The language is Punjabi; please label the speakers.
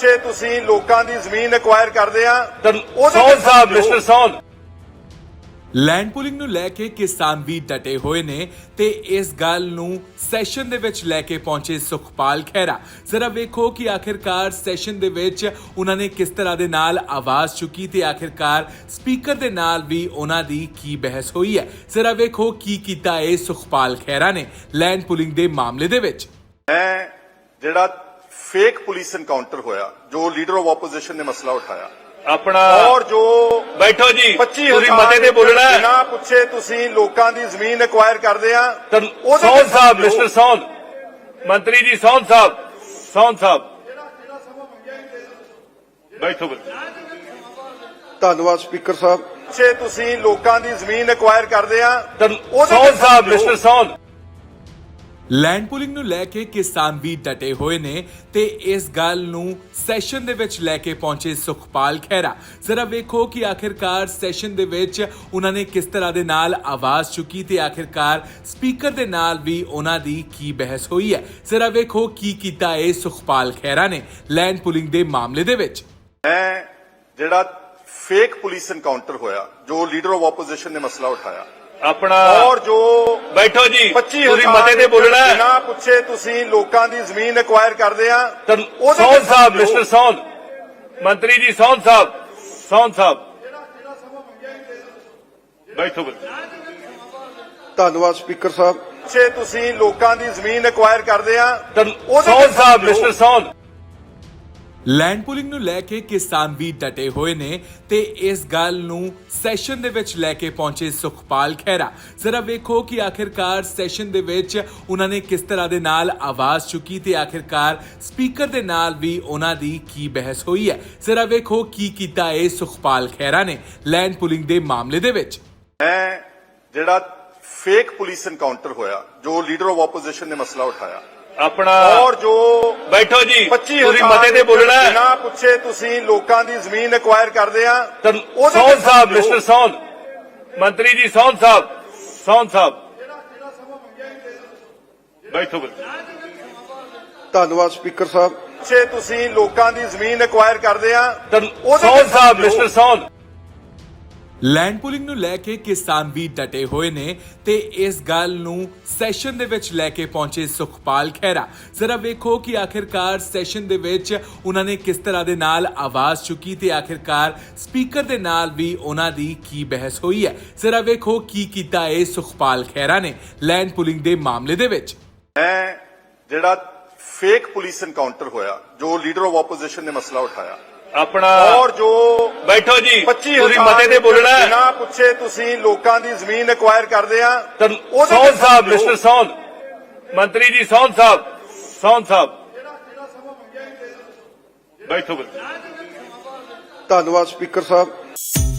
Speaker 1: ਪੁੱਛੇ ਤੁਸੀਂ ਲੋਕਾਂ ਦੀ ਜ਼ਮੀਨ ਐਕਵਾਇਰ ਕਰਦੇ ਆ
Speaker 2: ਸੌਨ ਸਾਹਿਬ ਮਿਸਟਰ ਸੌਨ
Speaker 3: ਲੈਂਡ ਪੂਲਿੰਗ ਨੂੰ ਲੈ ਕੇ ਕਿਸਾਨ ਵੀ ਡਟੇ ਹੋਏ ਨੇ ਤੇ ਇਸ ਗੱਲ ਨੂੰ ਸੈਸ਼ਨ ਦੇ ਵਿੱਚ ਲੈ ਕੇ ਪਹੁੰਚੇ ਸੁਖਪਾਲ ਖਹਿਰਾ। ਜ਼ਰਾ ਵੇਖੋ ਕਿ ਆਖਿਰਕਾਰ ਸੈਸ਼ਨ ਦੇ ਵਿੱਚ ਉਹਨਾਂ ਨੇ ਕਿਸ ਤਰ੍ਹਾਂ ਦੇ ਨਾਲ ਆਵਾਜ਼ ਚੁੱਕੀ ਤੇ ਆਖਿਰਕਾਰ ਸਪੀਕਰ ਦੇ ਨਾਲ ਵੀ ਉਹਨਾਂ ਦੀ ਕੀ ਬਹਿਸ ਹੋਈ ਹੈ। ਜ਼ਰਾ ਵੇਖੋ ਕੀ ਕੀਤਾ ਇਹ ਸੁਖਪਾਲ ਖਹਿਰਾ ਨੇ ਲੈਂਡ ਪੂਲਿੰਗ ਦੇ ਮਾਮਲੇ ਦੇ ਵਿੱਚ।
Speaker 1: ਮੈਂ ਜਿਹੜਾ ਫੇਕ ਪੁਲਿਸ ਐਨਕਾਊਂਟਰ ਹੋਇਆ, ਜੋ ਲੀਡਰ ਆਫ ਆਪੋਜੀਸ਼ਨ ਨੇ ਮਸਲਾ ਉਠਾਇਆ
Speaker 2: अपना
Speaker 1: और जो
Speaker 2: बैठो जी
Speaker 1: 25,000
Speaker 2: मते ते बोलना है
Speaker 1: बिना पुछे तुसी लोकां दी जमीन एक्वायर करदे आ
Speaker 2: सौन साहब मिस्टर सौन मंत्री जी सौन साहब बैठो
Speaker 4: ਧੰਨਵਾਦ ਸਪੀਕਰ ਸਾਹਿਬ।
Speaker 1: ਪੁੱਛੇ ਤੁਸੀਂ ਲੋਕਾਂ ਦੀ ਜ਼ਮੀਨ ਐਕਵਾਇਰ ਕਰਦੇ ਆ
Speaker 2: सौन साहब मिस्टर सौन
Speaker 3: ਲੈਂਡ ਪੂਲਿੰਗ ਨੂੰ ਲੈ ਕੇ ਕਿਸਾਨ ਵੀ ਡਟੇ ਹੋਏ ਨੇ ਤੇ ਇਸ ਗੱਲ ਨੂੰ ਸੈਸ਼ਨ ਦੇ ਵਿੱਚ ਲੈ ਕੇ ਪਹੁੰਚੇ ਸੁਖਪਾਲ ਖਹਿਰਾ। ਜ਼ਰਾ ਵੇਖੋ ਕਿ ਆਖਿਰਕਾਰ ਸੈਸ਼ਨ ਦੇ ਵਿੱਚ ਉਹਨਾਂ ਨੇ ਕਿਸ ਤਰ੍ਹਾਂ ਦੇ ਨਾਲ ਆਵਾਜ਼ ਚੁੱਕੀ ਤੇ ਆਖਿਰਕਾਰ ਸਪੀਕਰ ਦੇ ਨਾਲ ਵੀ ਉਹਨਾਂ ਦੀ ਕੀ ਬਹਿਸ ਹੋਈ ਹੈ। ਜ਼ਰਾ ਵੇਖੋ ਕੀ ਕੀਤਾ ਇਹ ਸੁਖਪਾਲ ਖਹਿਰਾ ਨੇ ਲੈਂਡ ਪੂਲਿੰਗ ਦੇ ਮਾਮਲੇ ਦੇ ਵਿੱਚ।
Speaker 1: ਮੈਂ ਜਿਹੜਾ ਫੇਕ ਪੁਲਿਸ ਐਨਕਾਊਂਟਰ ਹੋਇਆ, ਜੋ ਲੀਡਰ ਆਫ ਆਪੋਜੀਸ਼ਨ ਨੇ ਮਸਲਾ ਉਠਾਇਆ
Speaker 2: अपना
Speaker 1: और जो
Speaker 2: बैठो जी
Speaker 1: 25,000
Speaker 2: मते ते बोलना है
Speaker 1: बिना पुछे ਤੁਸੀਂ ਲੋਕਾਂ ਦੀ ਜ਼ਮੀਨ ਐਕਵਾਇਰ ਕਰਦੇ ਆ
Speaker 2: सौन साहब मिस्टर सौन मंत्री जी सौन साहब बैठो
Speaker 4: ਧੰਨਵਾਦ ਸਪੀਕਰ ਸਾਹਿਬ।
Speaker 1: ਪੁੱਛੇ ਤੁਸੀਂ ਲੋਕਾਂ ਦੀ ਜ਼ਮੀਨ ਐਕਵਾਇਰ ਕਰਦੇ ਆ
Speaker 2: सौन साहब मिस्टर सौन
Speaker 3: ਲੈਂਡ ਪੂਲਿੰਗ ਨੂੰ ਲੈ ਕੇ ਕਿਸਾਨ ਵੀ ਡਟੇ ਹੋਏ ਨੇ ਤੇ ਇਸ ਗੱਲ ਨੂੰ ਸੈਸ਼ਨ ਦੇ ਵਿੱਚ ਲੈ ਕੇ ਪਹੁੰਚੇ ਸੁਖਪਾਲ ਖਹਿਰਾ। ਜ਼ਰਾ ਵੇਖੋ ਕਿ ਆਖਿਰਕਾਰ ਸੈਸ਼ਨ ਦੇ ਵਿੱਚ ਉਹਨਾਂ ਨੇ ਕਿਸ ਤਰ੍ਹਾਂ ਦੇ ਨਾਲ ਆਵਾਜ਼ ਚੁੱਕੀ ਤੇ ਆਖਿਰਕਾਰ ਸਪੀਕਰ ਦੇ ਨਾਲ ਵੀ ਉਹਨਾਂ ਦੀ ਕੀ ਬਹਿਸ ਹੋਈ ਹੈ। ਜ਼ਰਾ ਵੇਖੋ ਕੀ ਕੀਤਾ ਇਹ ਸੁਖਪਾਲ ਖਹਿਰਾ ਨੇ ਲੈਂਡ ਪੂਲਿੰਗ ਦੇ ਮਾਮਲੇ ਦੇ ਵਿੱਚ।
Speaker 1: ਮੈਂ ਜਿਹੜਾ ਫੇਕ ਪੁਲਿਸ ਐਨਕਾਊਂਟਰ ਹੋਇਆ, ਜੋ ਲੀਡਰ ਆਫ ਆਪੋਜੀਸ਼ਨ ਨੇ ਮਸਲਾ ਉਠਾਇਆ
Speaker 2: अपना
Speaker 1: और जो
Speaker 2: बैठो जी
Speaker 1: 25,000
Speaker 2: मते ते बोलना है
Speaker 1: बिना ਪੁੱਛੇ ਤੁਸੀਂ ਲੋਕਾਂ ਦੀ ਜ਼ਮੀਨ ਐਕਵਾਇਰ ਕਰਦੇ ਆ
Speaker 2: सौन साहब मिस्टर सौन मंत्री जी सौन साहब बैठो
Speaker 4: ਧੰਨਵਾਦ ਸਪੀਕਰ ਸਾਹਿਬ।
Speaker 1: ਪੁੱਛੇ ਤੁਸੀਂ ਲੋਕਾਂ ਦੀ ਜ਼ਮੀਨ ਐਕਵਾਇਰ ਕਰਦੇ ਆ
Speaker 2: सौन साहब मिस्टर सौन
Speaker 3: ਲੈਂਡ ਪੂਲਿੰਗ ਨੂੰ ਲੈ ਕੇ ਕਿਸਾਨ ਵੀ ਡਟੇ ਹੋਏ ਨੇ ਤੇ ਇਸ ਗੱਲ ਨੂੰ ਸੈਸ਼ਨ ਦੇ ਵਿੱਚ ਲੈ ਕੇ ਪਹੁੰਚੇ ਸੁਖਪਾਲ ਖਹਿਰਾ। ਜ਼ਰਾ ਵੇਖੋ ਕਿ ਆਖਿਰਕਾਰ ਸੈਸ਼ਨ ਦੇ ਵਿੱਚ ਉਹਨਾਂ ਨੇ ਕਿਸ ਤਰ੍ਹਾਂ ਦੇ ਨਾਲ ਆਵਾਜ਼ ਚੁੱਕੀ ਤੇ ਆਖਿਰਕਾਰ ਸਪੀਕਰ ਦੇ ਨਾਲ ਵੀ ਉਹਨਾਂ ਦੀ ਕੀ ਬਹਿਸ ਹੋਈ ਹੈ। ਜ਼ਰਾ ਵੇਖੋ ਕੀ ਕੀਤਾ ਇਹ ਸੁਖਪਾਲ ਖਹਿਰਾ ਨੇ ਲੈਂਡ ਪੂਲਿੰਗ ਦੇ ਮਾਮਲੇ ਦੇ ਵਿੱਚ।
Speaker 1: ਮੈਂ ਜਿਹੜਾ ਫੇਕ ਪੁਲਿਸ ਐਨਕਾਊਂਟਰ ਹੋਇਆ, ਜੋ ਲੀਡਰ ਆਫ ਆਪੋਜੀਸ਼ਨ ਨੇ ਮਸਲਾ ਉਠਾਇਆ
Speaker 2: अपना
Speaker 1: और जो
Speaker 2: बैठो जी
Speaker 1: 25,000
Speaker 2: मते ते बोलना है
Speaker 1: बिना ਪੁੱਛੇ ਤੁਸੀਂ ਲੋਕਾਂ ਦੀ ਜ਼ਮੀਨ ਐਕਵਾਇਰ ਕਰਦੇ ਆ
Speaker 2: सौन साहब मिस्टर सौन मंत्री जी सौन साहब बैठो
Speaker 4: ਧੰਨਵਾਦ ਸਪੀਕਰ ਸਾਹਿਬ।